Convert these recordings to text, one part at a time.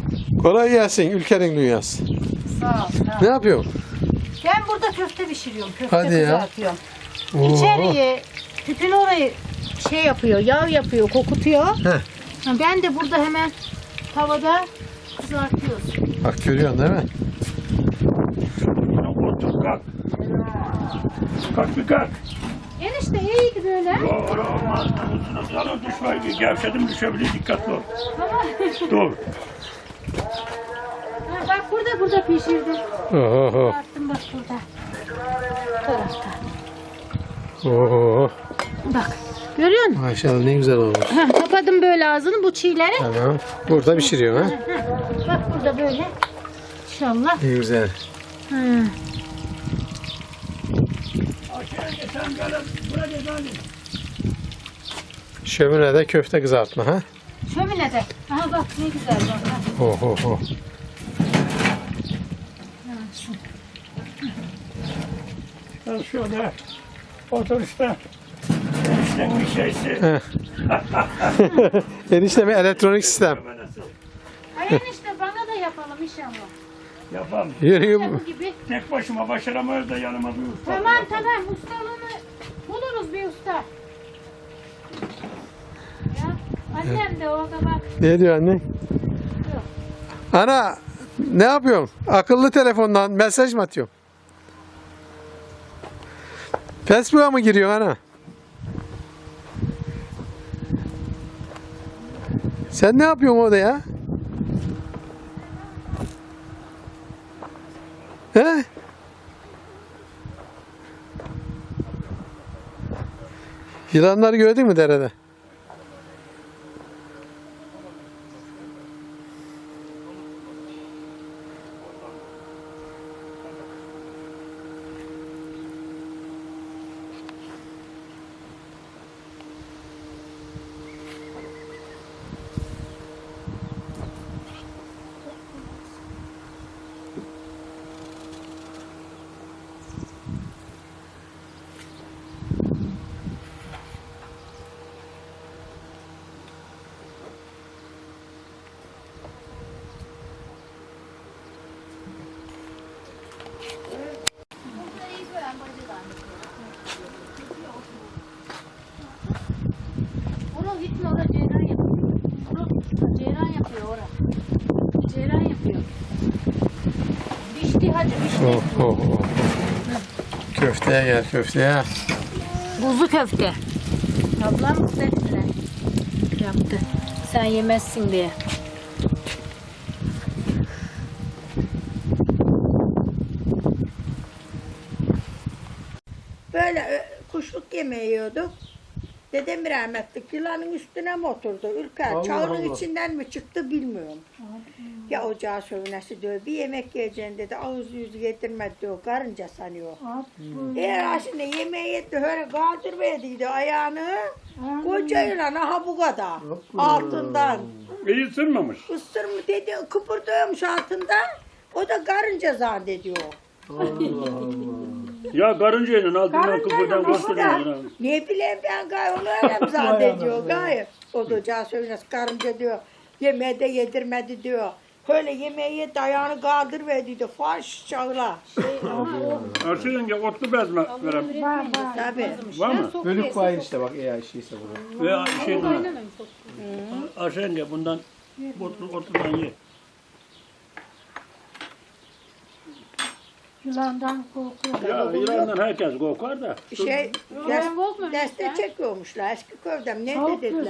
Kolay gelsin ülkenin dünyası. Sağ ol. Sağ ol. Ne yapıyorsun? Ben burada köfte pişiriyorum. Köfte Hadi ya. kızartıyorum. Oo. İçeriye tütün orayı şey yapıyor, yağ yapıyor, kokutuyor. Heh. Ben de burada hemen tavada kızartıyoruz. Bak görüyorsun değil mi? Otur kalk. Kalk bir kalk. Enişte iyiydi böyle. Doğru olmaz. Sana düşme. Gevşedim düşebilir. Dikkatli ol. Tamam. Dur. Ha, bak burada pişirdim. Oho. Kızarttım bak burada. Bu tarafta. Oho. Bak. Görüyor musun? Maşallah ne güzel olmuş. Ha, kapadım böyle ağzını bu çiğleri. Tamam. Burada pişiriyor ha. Bak burada böyle. İnşallah. Ne güzel. Ha. Sen gel. Buraya gel. Şöminede köfte kızartma ha. Şöminede. Aha bak ne güzel bak. Ha. Oho. Sen şöyle otur işte. Sen bir şeysi. Enişte bir elektronik sistem. Ay enişte bana da yapalım inşallah. Yapalım. Yürüyüm. Bu gibi. Tek başıma başaramayız da yanıma bir usta. Tamam ustalığını buluruz bir usta. Ya annem de orada bak. Ne diyor anne? Ana ne yapıyorsun? Akıllı telefondan mesaj mı atıyorsun? Facebook'a mı giriyorsun ana? Sen ne yapıyorsun orada ya? He? Yılanları gördün mü derede? Oraya gitme oraya ceyran yapıyor. Oraya ceyran yapıyor oraya. Ceyran yapıyor. Pişti hadi pişti. Oh. Köfteye gel köfteye. Kuzu köfte. Ablam istediler. Yaptı. Sen yemezsin diye. Böyle kuşluk yemeği yiyorduk. Dedem rahmetlik yılanın üstüne mi oturdu? Ülker Allah çağının Allah. içinden mi çıktı bilmiyorum. Ya ocağı sövünesi diyor. Bir yemek yiyeceksin dedi. Ağız yüzü getirmedi diyor. Karınca sanıyor. Eğer şimdi yemeği yetti. Öyle kaldırmaydı ayağını. Koca yılan aha bu kadar. Altından. İyi ısırmamış. Isır mı dedi. Kıpırdıyormuş altından. O da karınca zannediyor. Ya karıncayla altından Karınca kıpırdan işte. koşturuyor. Ne bileyim ben gay onu öyle mi zannediyor gay. O da ocağı söylüyor karınca diyor. Yemeği de yedirmedi diyor. Öyle yemeği dayağını kaldırıverdi diyor. Faş çağla. Arşı yenge otlu bez mi verem? Tabii. Var mı? Bölük var işte bak eğer şeyse bunu. Ve şey Arşı yenge bundan otludan ye. Yılandan korkuyor. Ya İran'dan herkes korkar da. Şey, Ben korkmuyorum deste işte. çekiyormuşlar eski köyden. Ne dediler?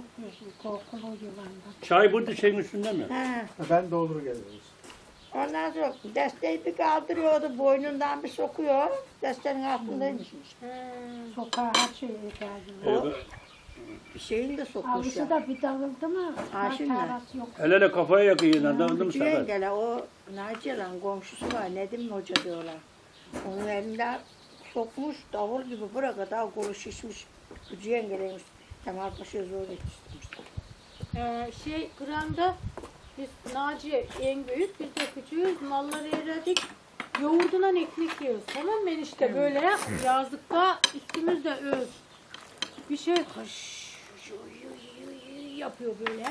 Çay burada şeyin üstünde mi? He. Ben doldur geliyorum. Ondan sonra desteği bir kaldırıyordu. Boynundan bir sokuyor. Destenin altındaymış. Sokağa her şeye geldi. Şeyini de sokmuş Avlusu ya. da bir dağıldı mı? Ha, şimdi. Arası yok. El ele kafaya yakıyor yeniden. Anladın mı Küçük sefer? yengele o Naciye lan komşusu var Nedim Hoca diyorlar. Onun elinde sokmuş davul gibi buraya kadar kolu şişmiş. Küçük yengeleymiş. Kemal Paşa'ya zor yetiştirmişler. Kıran'da biz Naciye en büyük, biz de küçüğüz. Malları eridik. Yoğurdundan ekmek yiyoruz. Tamam mı enişte böyle yazlıkta üstümüzde öz. Bir şey hış yapıyor böyle.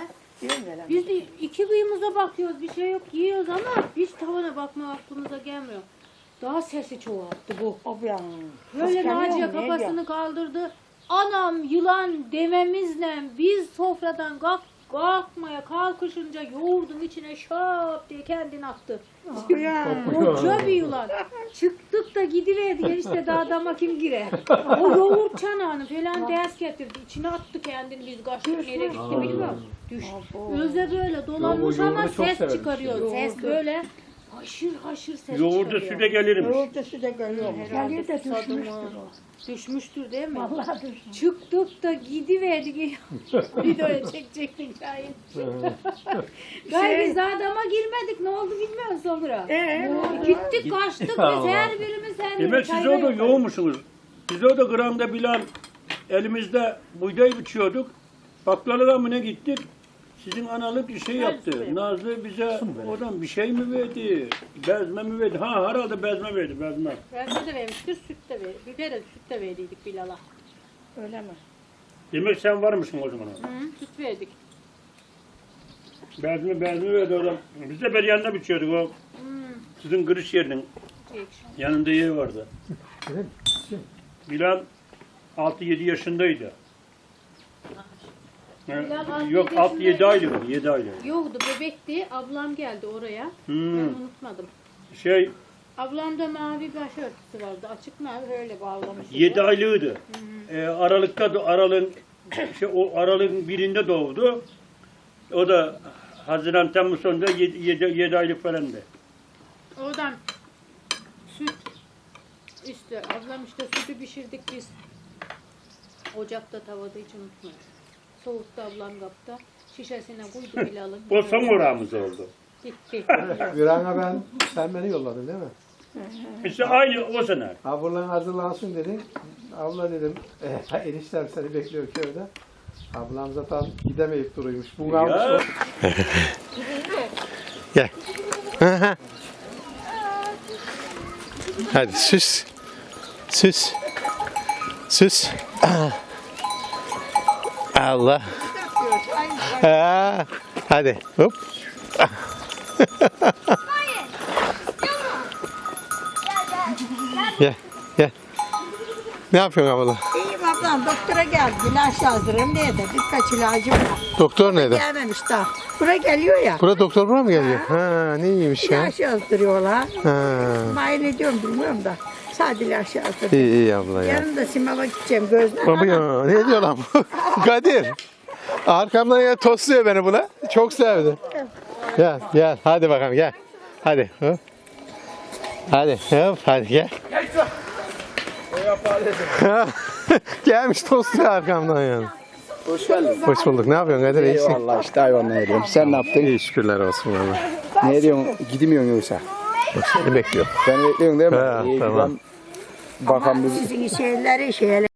Diyorum ya lan. Biz de iki kıyımıza bakıyoruz, bir şey yok, yiyoruz ama hiç tavana bakma aklımıza gelmiyor. Daha sesi çoğalttı bu. O bir an. Böyle Kıskanıyor Naciye mu, ne kafasını diyor? kaldırdı. Anam yılan dememizle biz sofradan kalkmaya kalkışınca yoğurdun içine şap diye kendini attı. Ya. Koca bir yılan. Çıktık da gidiverdi işte dağdama kim gire. O yoğurt çanağını falan ders getirdi. İçine attı kendini biz kaçtık nereye gitti bilmiyorum. Düş. Öze böyle dolanmış Yo, o ama yoğurdu çok ses severmiş çıkarıyor. Ses böyle haşır haşır ses Yoğurda çıkarıyor. süte gelirmiş. Yoğurtlusu da geliyor. Herhalde Geliyor da susadı mı? düşmüştür Düşmüştür değil mi? Vallahi düşmüş. Çıktık da gidiverdik. Videoya çekecektik Şahin. Gayri biz adama girmedik. Ne oldu bilmiyorum sonra. Gittik kaçtık biz her birimiz her birimiz. Demek siz orada yoğunmuşsunuz. Biz orada Gran'da Bilal elimizde buğday biçiyorduk. Baklavalar mı ne gittik? Sizin analık bir şey yaptı. Nazlı bize oradan bir şey mi verdi? Bezme mi verdi? Ha herhalde bezme verdi, bezme. Bezme de vermiştir, süt de verdi. Biber de süt de verdiydik Bilal'a. Öyle mi? Demek sen varmışsın o zaman. Hı, süt verdik. Bezme verdi oradan. Biz de bir yanına biçiyorduk o. Sizin kırış yerinin yanında yer vardı. Bilal 6-7 yaşındaydı. Bilal Yok 6-7 6-7 aylık. 7 aylık. Yoktu bebekti. Ablam geldi oraya. Hmm. Ben unutmadım. Şey Ablamda mavi bir başörtüsü vardı. Açık mavi öyle bağlamış. 7 aylığıydı. Aralıkta da o aralığın birinde doğdu. O da Haziran Temmuz sonunda 7 aylık falandı. Oradan süt işte ablam işte sütü pişirdik biz. Ocakta tavada hiç unutmuyorum. Soğukta ablam kapta. Şişesine koydu Bilal'ın. O son orağımız oldu. Gitti. Viran'a sen beni yolladın değil mi? İşte aynı o sene. Ablan hazırlansın dedin. Abla dedim, eniştem seni bekliyor köyde. Ablam zaten gidemeyip duruyormuş. Bu kalmış Ya. o. Gel. Hadi süs. Süs. Süs. Allah. Ha, hadi. Hop. Gel. Gel. Ne yapıyorsun abla? İyiyim ablam doktora geldi. İlaç yazdırayım diye de birkaç ilacım var. Doktor nerede? Gelmemiş daha. Buraya geliyor ya. Burada doktor buraya mı geliyor? Ha, ne iyiymiş ya. İlaç yazdırıyorlar. Ha. Mail ediyorum bilmiyorum da. Sadece ilaç yazdırıyorum. İyi iyi abla ya. Yarın da Simav'a gideceğim gözler. Baba ya, ne diyor lan bu? Kadir. Arkamdan ya tosluyor beni buna. Çok sevdi. Gel gel hadi bakalım gel. Hadi. Hop. Hadi hop hadi gel. Gelmiş tosluyor arkamdan yani. Hoş geldin. Hoş bulduk. Ne yapıyorsun Kadir? İyisin. Eyvallah işte hayvanla ediyorum. Sen ne yaptın? İyi şükürler olsun valla. Ne diyorsun? Gidemiyorsun yoksa. Seni bekliyorum. Beni bekliyorsun değil mi? Ha, İyi, tamam. ben bakan bir Sizin şeyleri